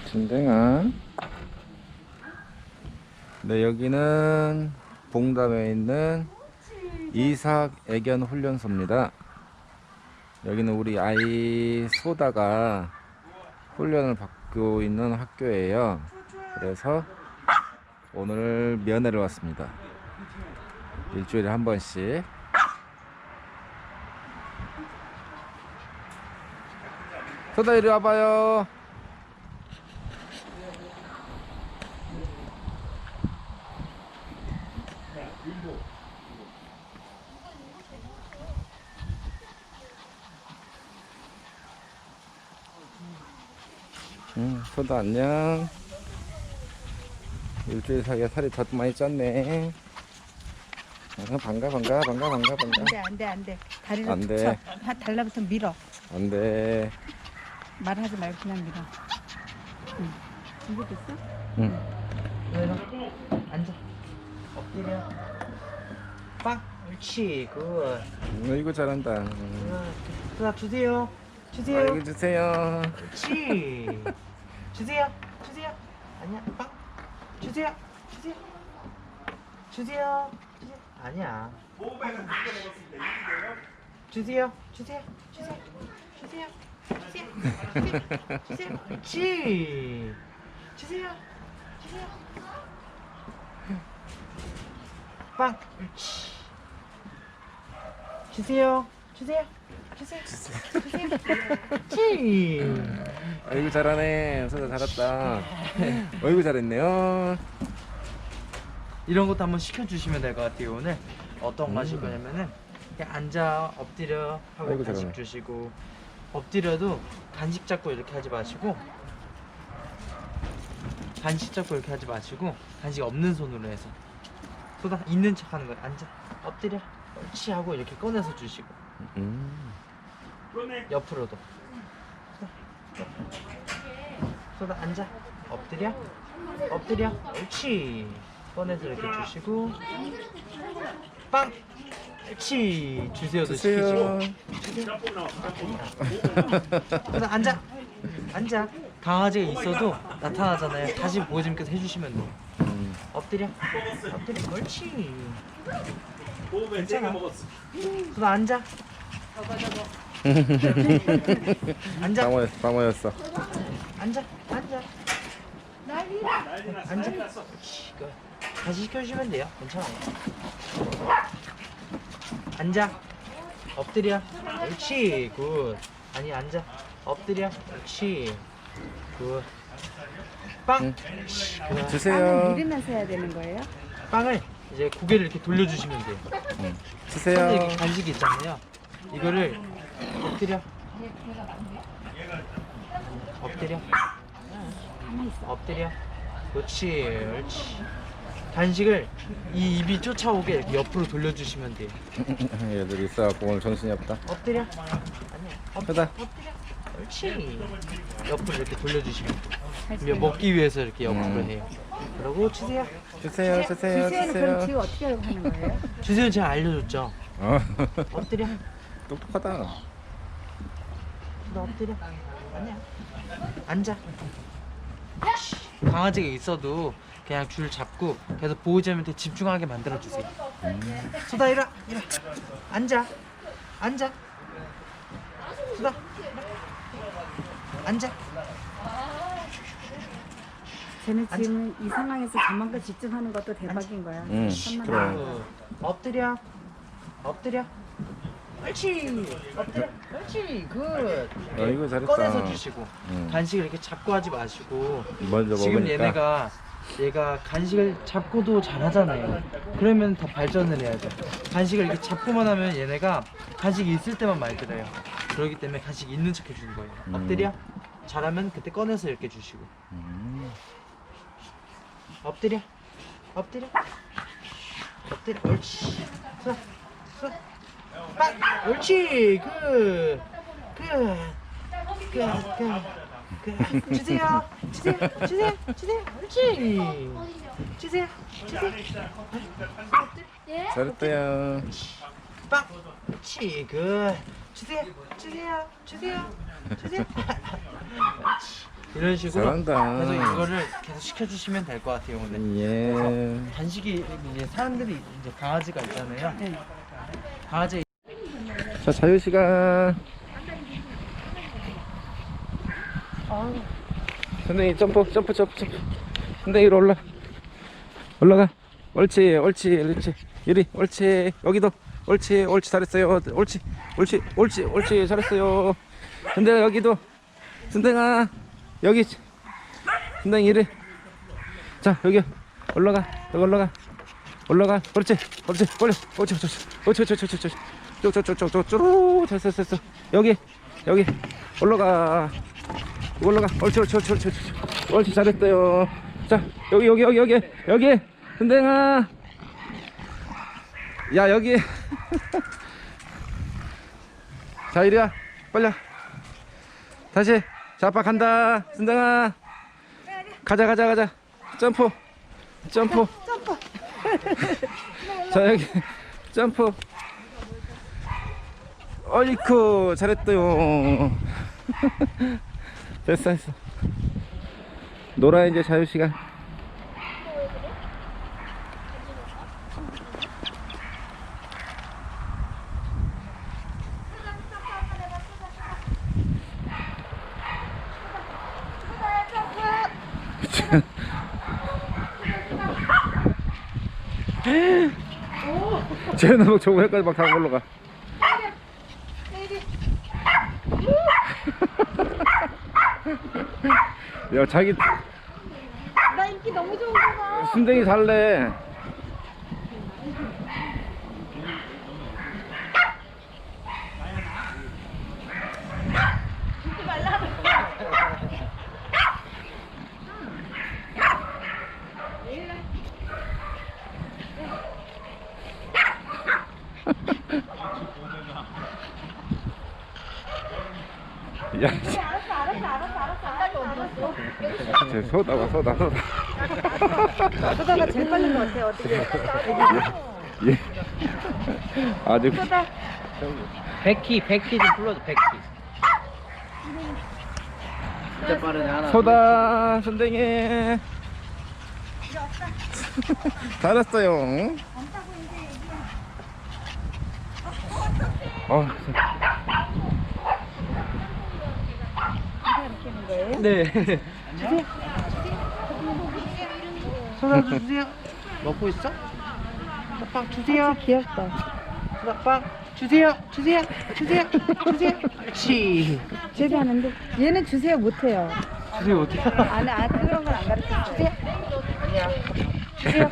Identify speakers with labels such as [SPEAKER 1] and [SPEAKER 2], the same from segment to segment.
[SPEAKER 1] 진댕아. 네, 여기는 봉담에 있는 이삭 애견 훈련소입니다. 여기는 우리 아이 소다가 훈련을 받고 있는 학교예요. 그래서 오늘 면회를 왔습니다. 일주일에 한 번씩. 소다 이리 와봐요. 소다 안녕. 일주일 사이에 살이 더 많이 쪘네. 반가.
[SPEAKER 2] 안돼 다리를
[SPEAKER 1] 안 돼.
[SPEAKER 2] 붙여 달라붙어 밀어.
[SPEAKER 1] 안돼.
[SPEAKER 2] 말하지 말고 그냥 밀어. 응. 준비됐어?
[SPEAKER 1] 응.
[SPEAKER 3] 앉아. 엎드려. 빵. 옳지. 굿.
[SPEAKER 1] 이거 잘한다.
[SPEAKER 3] 자, 주세요.
[SPEAKER 1] 이거 주세요.
[SPEAKER 3] 옳지. 주세요. 아니야. 빵. 주세요. 아니야. 주세요. 옳지. 주세요. 빵. 옳지. 주세요. 옳지.
[SPEAKER 1] 아이고 잘하네. 소다 잘했다. 어이구 잘했네요.
[SPEAKER 3] 이런 것도 한번 시켜주시면 될 것 같아요. 오늘 어떤 거 하실 거냐면은 그냥 앉아 엎드려 하고
[SPEAKER 1] 아이고,
[SPEAKER 3] 간식
[SPEAKER 1] 잘하네.
[SPEAKER 3] 주시고, 엎드려도 간식 잡고 이렇게 하지 마시고, 간식 없는 손으로 해서 소다 있는 척 하는 거예요. 앉아 엎드려 옳지 하고 이렇게 꺼내서 주시고, 옆으로도 소다 앉아 엎드려 옳지 꺼내서 이렇게 주시고, 빵 옳지 주세요도
[SPEAKER 1] 주세요.
[SPEAKER 3] 시키시고, 소다 앉아 강아지가 있어도 나타나잖아요. 다시 보호자님께서 해주시면 돼요. 엎드려 옳지. 괜찮아. 소다 앉아
[SPEAKER 1] 방어였어.
[SPEAKER 3] 앉아. 그렇지. 다시 시켜주시면 돼요. 괜찮아요. 앉아. 엎드려. 옳지. 굿. 아니, 앉아. 엎드려. 옳지. 굿. 빵. 옳지. 굿.
[SPEAKER 2] 빵을
[SPEAKER 1] 주세요.
[SPEAKER 2] 밀으면서 해야 되는 거예요?
[SPEAKER 3] 빵을 이제 고개를 이렇게 돌려주시면 돼요. 손에
[SPEAKER 1] 주세요.
[SPEAKER 3] 이렇게 간식이 있잖아요. 이거를 엎드려. 엎드려. 그렇지. 간식을 이 입이 쫓아오게 이렇게 옆으로 돌려주시면 돼요.
[SPEAKER 1] 얘들 있어갖고 오늘 정신이 없다.
[SPEAKER 3] 엎드려. 아니야.
[SPEAKER 1] 소다.
[SPEAKER 3] 옳지. 옆으로 이렇게 돌려주시면 돼요. 그러면 먹기 위해서 이렇게 옆으로 해요. 그러고 주세요.
[SPEAKER 1] 주세요.
[SPEAKER 2] 주세요는 그럼 지금 어떻게 하는 거예요?
[SPEAKER 3] 주세요 제가 알려줬죠. 엎드려.
[SPEAKER 1] 똑똑하다.
[SPEAKER 3] 너 엎드려. 아니야. 앉아. 강아지가 있어도 그냥 줄 잡고 계속 보호자님한테 집중하게 만들어주세요. 소다 일어나. 앉아. 소다 앉아.
[SPEAKER 2] 쟤는 지금 이 상황에서 저만큼 집중하는 것도 대박인 거야. 천만
[SPEAKER 1] 그래.
[SPEAKER 2] 원.
[SPEAKER 3] 엎드려. 옳지. 엎드려. 옳지. 굿.
[SPEAKER 1] 이거 잘했다.
[SPEAKER 3] 꺼내서 주시고, 간식을 이렇게 잡고 하지 마시고.
[SPEAKER 1] 먼저
[SPEAKER 3] 지금
[SPEAKER 1] 먹으니까.
[SPEAKER 3] 얘가 간식을 잡고도 잘하잖아요. 그러면 더 발전을 해야 돼. 간식을 이렇게 잡고만 하면 얘네가 간식이 있을 때만 말 들어요. 그렇기 때문에 간식이 있는 척 해주는 거예요. 엎드려. 잘하면 그때 꺼내서 이렇게 주시고. 엎드려. 옳지. 빵. 옳지. 주세요. 옳지. 주세요.
[SPEAKER 1] 잘했대요.
[SPEAKER 3] 빵. 옳지. 굿. 주세요. 옳지. 이런 식으로
[SPEAKER 1] 잘한다.
[SPEAKER 3] 계속 이거를 계속 시켜주시면 될 것 같아요. 오늘.
[SPEAKER 1] 예.
[SPEAKER 3] 간식이 이제 사람들이 이제 강아지가 있잖아요. 강아지
[SPEAKER 1] 자, 자유시간. 선생님, 점프. 선생님, 위로 올라가. 옳지. 유리, 옳지. 여기도. 옳지, 잘했어요. 옳지, 잘했어요. 선생아, 여기도. 선생아, 여기. 선생 이리. 자, 여기 올라가. 그렇지. 쭉쭉쭉쭉쭉. 됐어. 여기. 올라가. 옳지, 잘했어요. 자, 여기. 선생아. 야, 여기. 자, 이리야. 빨리. 다시. 자, 아빠 간다. 선생아. 가자. 점프. 자, 여기. 점프. 어이쿠, 잘했어요. 됐어. 놀아, 이제 자유시간. 쟤는 막 저거 해까지 막 타고 올라가. 야, 자기
[SPEAKER 2] 나 인기 너무 좋은구나.
[SPEAKER 1] 순댕이 살래. 야, 쟤 소다가.
[SPEAKER 2] 소다가 제일 빠른 것 같아. 어떻게?
[SPEAKER 1] 예. 아주
[SPEAKER 2] 소다.
[SPEAKER 3] 백희 좀 불러줘. 백희. 진짜 빠르네. 하나.
[SPEAKER 1] 소다 선생님. 잘했어요.
[SPEAKER 3] 네. 소다 주세요. 먹고 있어? 빵 주세요.
[SPEAKER 2] 귀엽다.
[SPEAKER 3] 빵 주세요. 시.
[SPEAKER 2] 쟤도 하는데 얘는 주세요 못해요.
[SPEAKER 3] 주세요 어떻게?
[SPEAKER 2] 안 그런 건 안 가르쳤어요.
[SPEAKER 3] 주세요.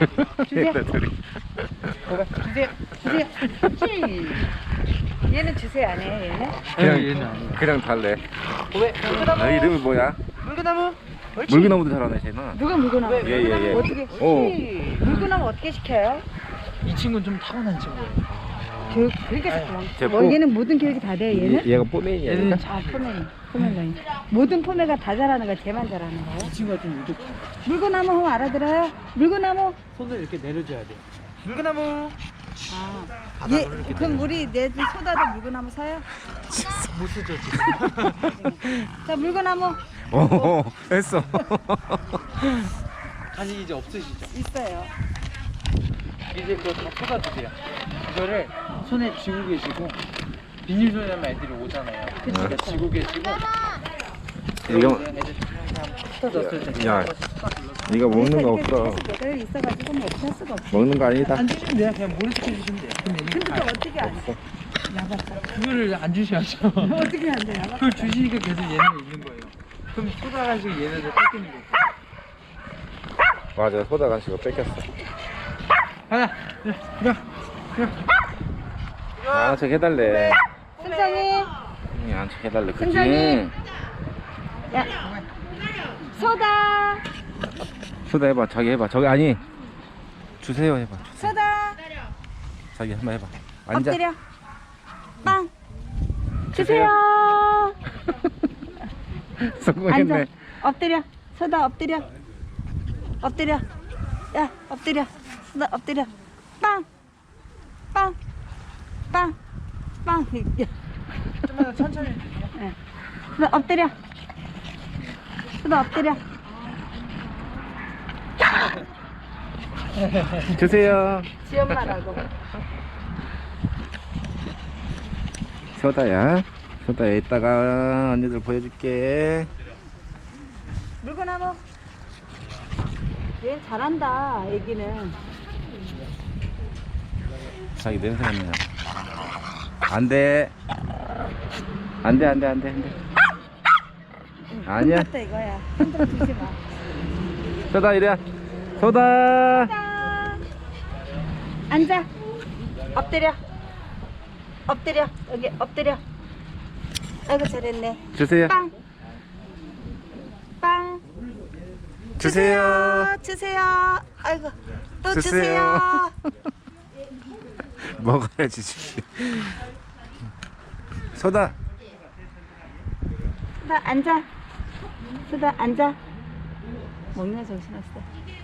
[SPEAKER 2] 얘는 주세요 안 해. 얘는?
[SPEAKER 3] 얘는 아니야.
[SPEAKER 1] 그냥 달래.
[SPEAKER 3] 왜?
[SPEAKER 1] 아, 이름이 뭐야?
[SPEAKER 3] 물그나무? 옳지.
[SPEAKER 1] 물그나무도 잘하네 쟤는.
[SPEAKER 2] 누가 물고나무?
[SPEAKER 1] 예.
[SPEAKER 2] 어떻게? 물고나무 어떻게 시켜요?
[SPEAKER 3] 이 친구는 좀 타고난 친구예요.
[SPEAKER 2] 교육 그러니까
[SPEAKER 1] 쟤
[SPEAKER 2] 뭐 얘는 모든 교육이 다 돼. 얘는?
[SPEAKER 1] 얘가 뽀메인이야.
[SPEAKER 3] 얘는
[SPEAKER 2] 아 포메라인. 모든 포메가 다 잘하는 거야. 쟤만 잘하는 거야.
[SPEAKER 3] 이 친구가 좀 유독
[SPEAKER 2] 물고나무 하면 알아들어요? 물고나무?
[SPEAKER 3] 손을 이렇게 내려줘야 돼. 물그나무.
[SPEAKER 2] 얘 그럼 우리 내 소다도 물고나무 사요?
[SPEAKER 3] 못 쓰죠 지금.
[SPEAKER 2] 자 물고나무
[SPEAKER 1] 했어.
[SPEAKER 3] 간식 이제 없으시죠?
[SPEAKER 2] 있어요.
[SPEAKER 3] 이제 그거 다 쏟아주세요. 이거를 손에 쥐고 계시고 비닐손에 하면 애들이 오잖아요. 그러니까 쥐고 계시고
[SPEAKER 1] 이거
[SPEAKER 3] 애들 쏟아졌을 때
[SPEAKER 1] 야, 네가 먹는 거 없어.
[SPEAKER 2] 여기 있어가지고 뭐 없을 수가 없어.
[SPEAKER 1] 먹는 거 아니다.
[SPEAKER 3] 안 주시면 돼요. 그냥 모래 시켜주시면 돼요. 그럼 얘는
[SPEAKER 2] 근데 또 어떻게 안 돼?
[SPEAKER 3] 그거를 안 주셔야죠.
[SPEAKER 2] 어떻게 안 돼요?
[SPEAKER 3] 그걸 주시니까 계속 얘네가 있는 거예요. 그럼 쏟아가지고 얘네들 뺏기는 거고.
[SPEAKER 1] 맞아, 소다 간식을 뺏겼어.
[SPEAKER 3] 하나,
[SPEAKER 1] 안착 해달래.
[SPEAKER 2] 승장이
[SPEAKER 1] 안착 해달래. 그치?
[SPEAKER 2] 승장이. 야 소다
[SPEAKER 1] 소다 해봐. 자기 해봐. 저기 아니. 주세요 해봐.
[SPEAKER 2] 소다
[SPEAKER 1] 자기 한번 해봐. 앉아.
[SPEAKER 2] 엎드려 빵 주세요.
[SPEAKER 1] 성공했네.
[SPEAKER 2] 앉아 엎드려 소다 엎드려 야 엎드려 소다 엎드려 빵
[SPEAKER 3] 좀만 더 천천히 해주세요.
[SPEAKER 2] 소다 엎드려 수다 엎드려.
[SPEAKER 1] 주세요.
[SPEAKER 2] 지 엄마라고.
[SPEAKER 1] 소다야. 소다야, 이따가 언니들 보여줄게.
[SPEAKER 2] 물건 하고. 얘 잘한다, 애기는.
[SPEAKER 1] 자기 냄새 나네요. 안 돼. 안 돼, 안 돼, 안 돼, 안 돼. 아니야.
[SPEAKER 2] 똑같다 이거야. 흔들어 주지 마.
[SPEAKER 1] 소다, 이리야. 소다.
[SPEAKER 2] 짠. 앉아. 엎드려. 엎드려. 여기 엎드려. 아이고 잘했네.
[SPEAKER 1] 주세요.
[SPEAKER 2] 빵. 빵.
[SPEAKER 1] 주세요.
[SPEAKER 2] 주세요. 아이고 또
[SPEAKER 1] 주세요.
[SPEAKER 2] 주세요.
[SPEAKER 1] 먹어야지, 주시. 소다.
[SPEAKER 2] 수다 앉아. 수다 앉아. 먹는 정신없어.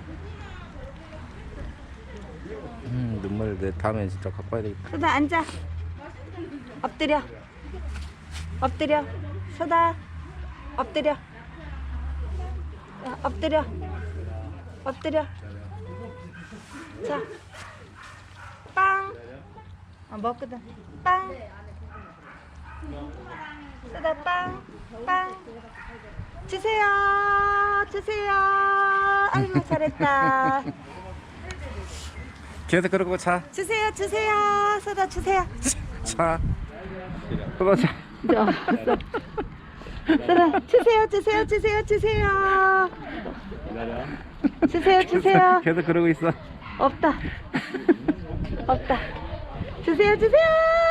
[SPEAKER 1] 눈물 내 다음에 진짜 갖고 와야 되겠다.
[SPEAKER 2] 수다 앉아. 엎드려. 엎드려. 수다. 엎드려. 자, 엎드려. 엎드려. 자. 빵. 먹거든. 빵. 수다 빵. 빵. 주세요. 주세요. 아이고 잘했다.
[SPEAKER 1] 계속 그러고 차.
[SPEAKER 2] 주세요. 주세요. 수다 주세요.
[SPEAKER 1] 차. 소다 차.
[SPEAKER 2] 수다 주세요. 주세요. 주세요. 주세요. 주세요. 주세요.
[SPEAKER 1] 계속 그러고 있어.
[SPEAKER 2] 없다. 없다. 주세요. 주세요.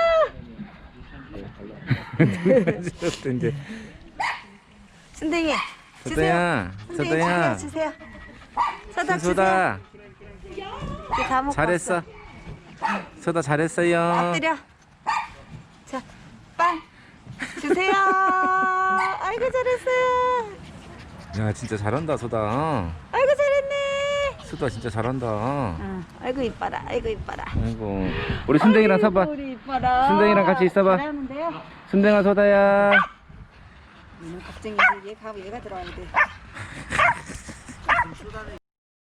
[SPEAKER 1] 이제.
[SPEAKER 2] 순댕이. 주세요.
[SPEAKER 1] 소다야.
[SPEAKER 2] 순댕이
[SPEAKER 1] 소다야.
[SPEAKER 2] 주세요. 소다 주세요.
[SPEAKER 1] 소다.
[SPEAKER 2] 이제 다 먹고
[SPEAKER 1] 잘했어.
[SPEAKER 2] 왔어.
[SPEAKER 1] 소다 잘했어요.
[SPEAKER 2] 엎드려. 자, 빵 주세요. 아이고 잘했어요.
[SPEAKER 1] 야, 진짜 잘한다, 소다.
[SPEAKER 2] 아이고 잘했네.
[SPEAKER 1] 소다 진짜 잘한다.
[SPEAKER 2] 아이고 이뻐라. 아이고 이뻐라.
[SPEAKER 1] 아이고. 우리 순댕이랑 서봐.
[SPEAKER 2] 우리 이뻐라.
[SPEAKER 1] 순댕이랑 같이 있어봐.
[SPEAKER 2] 잘하는데요.
[SPEAKER 1] 순댕아, 소다야.
[SPEAKER 2] 얘는 걱정이지. 얘 가고 얘가 들어와야 돼.